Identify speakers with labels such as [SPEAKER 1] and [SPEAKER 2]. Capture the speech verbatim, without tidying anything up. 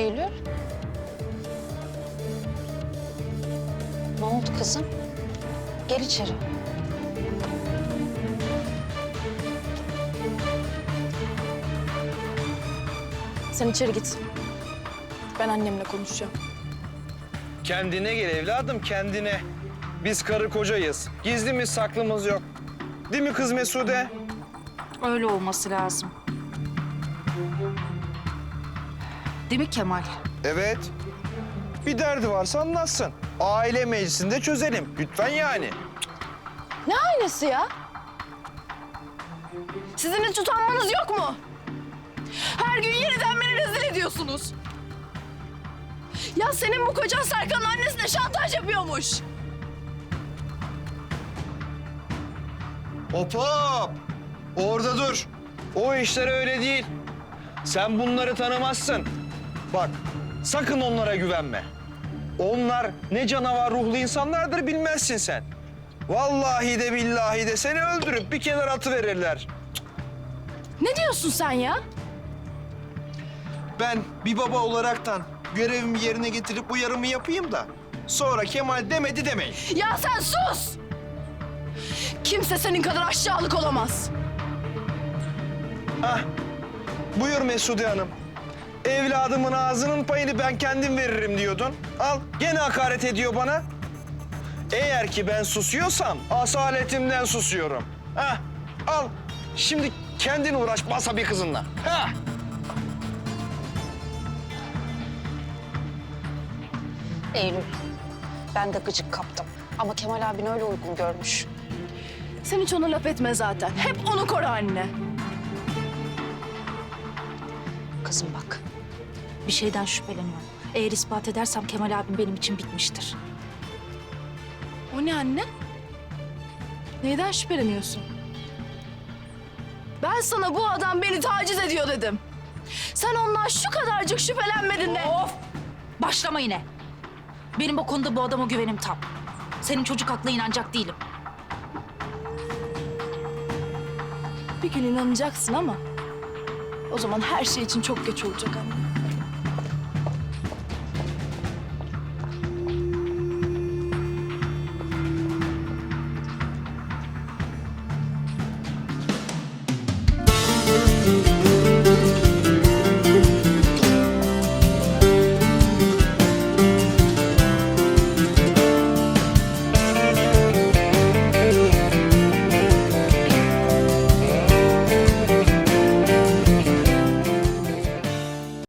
[SPEAKER 1] Eylül? Ne oldu kızım? Gel içeri.
[SPEAKER 2] Sen içeri git. Ben annemle konuşacağım.
[SPEAKER 3] Kendine gel evladım, kendine. Biz karı kocayız. Gizlimiz saklımız yok. Değil mi kız Mesude?
[SPEAKER 1] Öyle olması lazım. Değil mi Kemal?
[SPEAKER 3] Evet. Bir derdi varsa anlatsın. Aile meclisinde çözelim. Lütfen yani.
[SPEAKER 2] Ne aynası ya? Sizin hiç utanmanız yok mu? Her gün yeniden beni rezil ediyorsunuz. Ya senin bu kocan Serkan'ın annesine şantaj yapıyormuş.
[SPEAKER 3] Hop hop. Orada dur. O işler öyle değil. Sen bunları tanımazsın. Bak, sakın onlara güvenme. Onlar ne canavar ruhlu insanlardır bilmezsin sen. Vallahi de billahi de seni öldürüp bir kenara atıverirler.
[SPEAKER 2] Ne diyorsun sen ya?
[SPEAKER 3] Ben bir baba olaraktan görevimi yerine getirip uyarımı yapayım da sonra Kemal demedi demeyin.
[SPEAKER 2] Ya sen sus! Kimse senin kadar aşağılık olamaz.
[SPEAKER 3] Ah, buyur Mesude Hanım. Evladımın ağzının payını ben kendim veririm diyordun. Al, gene hakaret ediyor bana. Eğer ki ben susuyorsam asaletimden susuyorum. Hah, al. Şimdi kendin uğraş basa bir kızınla. Ha.
[SPEAKER 1] Eylül, ben de gıcık kaptım. Ama Kemal abin öyle uygun görmüş.
[SPEAKER 2] Sen hiç ona laf etme zaten. Hep onu koru anne.
[SPEAKER 4] Kızım bak, bir şeyden şüpheleniyorum. Eğer ispat edersem Kemal abim benim için bitmiştir.
[SPEAKER 2] O ne anne? Neyden şüpheleniyorsun? Ben sana bu adam beni taciz ediyor dedim. Sen ondan şu kadarcık şüphelenmedin de.
[SPEAKER 4] Of! Başlama yine. Benim o konuda bu adama güvenim tam. Senin çocuk aklına inanacak değilim.
[SPEAKER 2] Bir gün inanacaksın ama o zaman her şey için çok geç olacak anne.